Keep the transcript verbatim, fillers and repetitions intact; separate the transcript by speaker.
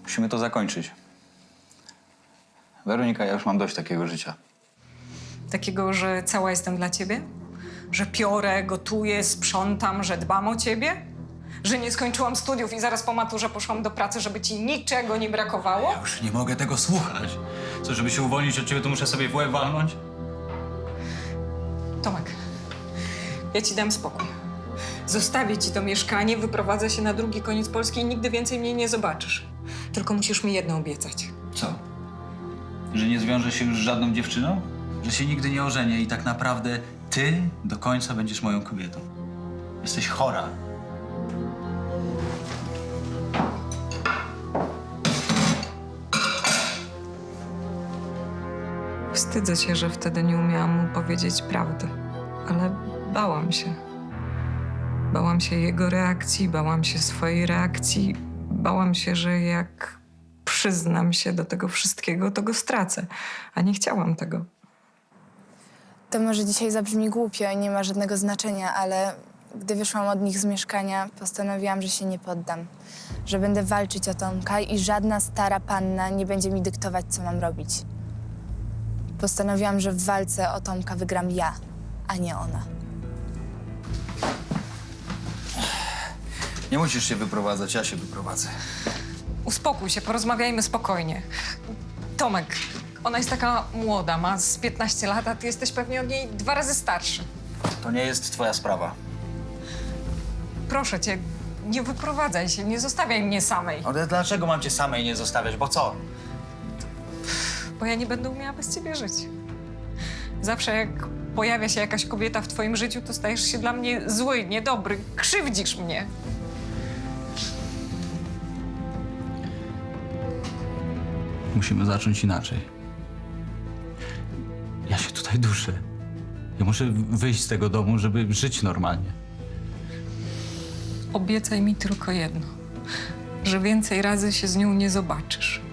Speaker 1: Musimy to zakończyć. Weronika, ja już mam dość takiego życia.
Speaker 2: Takiego, że cała jestem dla ciebie? Że piorę, gotuję, sprzątam, że dbam o ciebie? Że nie skończyłam studiów i zaraz po maturze poszłam do pracy, żeby ci niczego nie brakowało?
Speaker 1: Ja już nie mogę tego słuchać. Co, żeby się uwolnić od ciebie, to muszę sobie w łeb walnąć?
Speaker 2: Tomek, ja ci dam spokój. Zostawię ci to mieszkanie, wyprowadzę się na drugi koniec Polski i nigdy więcej mnie nie zobaczysz. Tylko musisz mi jedno obiecać.
Speaker 1: Co? Że nie zwiążę się już z żadną dziewczyną? Że się nigdy nie ożenię i tak naprawdę ty do końca będziesz moją kobietą. Jesteś chora.
Speaker 2: Wstydzę się, że wtedy nie umiałam mu powiedzieć prawdy, ale bałam się. Bałam się jego reakcji, bałam się swojej reakcji. Bałam się, że jak przyznam się do tego wszystkiego, to go stracę, a nie chciałam tego.
Speaker 3: To może dzisiaj zabrzmi głupio i nie ma żadnego znaczenia, ale gdy wyszłam od nich z mieszkania, postanowiłam, że się nie poddam. Że będę walczyć o Tomka i żadna stara panna nie będzie mi dyktować, co mam robić. Postanowiłam, że w walce o Tomka wygram ja, a nie ona.
Speaker 1: Nie musisz się wyprowadzać, ja się wyprowadzę.
Speaker 2: Uspokój się, porozmawiajmy spokojnie. Tomek, ona jest taka młoda, ma z piętnaście lat, a ty jesteś pewnie od niej dwa razy starszy.
Speaker 1: To nie jest twoja sprawa.
Speaker 2: Proszę cię, nie wyprowadzaj się, nie zostawiaj mnie samej,
Speaker 1: Ale dlaczego mam cię samej nie zostawiać? Bo co?
Speaker 2: bo ja nie będę umiała bez ciebie żyć. Zawsze jak pojawia się jakaś kobieta w twoim życiu, to stajesz się dla mnie zły, niedobry, krzywdzisz mnie.
Speaker 1: Musimy zacząć inaczej. Ja się tutaj duszę. Ja muszę wyjść z tego domu, żeby żyć normalnie.
Speaker 2: Obiecaj mi tylko jedno, że więcej razy się z nią nie zobaczysz.